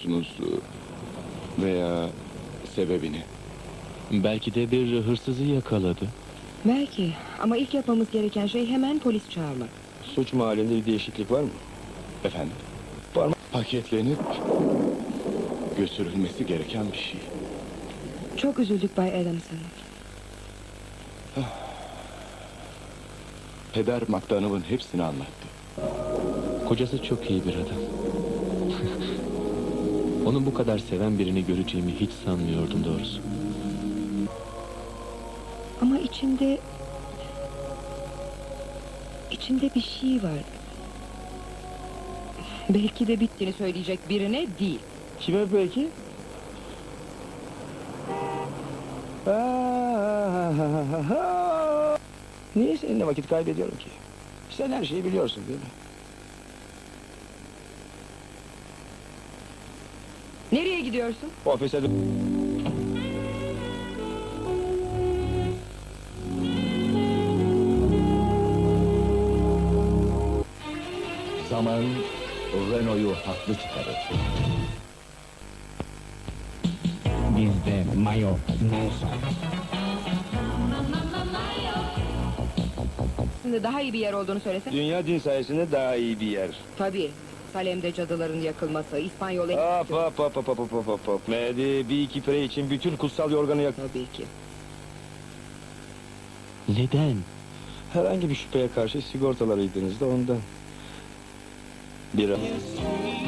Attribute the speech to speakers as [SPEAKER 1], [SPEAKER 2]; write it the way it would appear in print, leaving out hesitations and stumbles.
[SPEAKER 1] musunuz? Veya sebebini?
[SPEAKER 2] Belki de bir hırsızı yakaladı.
[SPEAKER 3] Belki ama ilk yapmamız gereken şey hemen polis çağırmak.
[SPEAKER 4] Suç mahallinde bir değişiklik var mı?
[SPEAKER 1] Efendim? Paketlenip götürülmesi gereken bir şey.
[SPEAKER 3] Çok üzüldük Bay Adamson.
[SPEAKER 1] Peder McDonough'ın hepsini anlattı.
[SPEAKER 2] Kocası çok iyi bir adam. Onu bu kadar seven birini göreceğimi hiç sanmıyordum doğrusu.
[SPEAKER 3] Ama içinde bir şey var. Belki de bittiğini söyleyecek birine değil.
[SPEAKER 4] Kime peki? Niye seninle vakit kaybediyorum ki? Sen her şeyi biliyorsun değil mi?
[SPEAKER 3] Nereye gidiyorsun?
[SPEAKER 4] Ofise
[SPEAKER 5] Zaman Renault'u haklı çıkarır. Bizde mayo Nelson.
[SPEAKER 3] Şimdi daha iyi bir yer olduğunu söylesene.
[SPEAKER 4] dünya din sayesinde daha iyi bir yer.
[SPEAKER 3] Tabii. Salem'de cadıların yakılması, İspanyol
[SPEAKER 4] Hop. Hadi bir iki pire için bütün kutsal yorganı yak.
[SPEAKER 3] Tabii ki.
[SPEAKER 2] Neden?
[SPEAKER 4] Herhangi bir şüpheye karşı sigortalarıydınız da ondan. Bir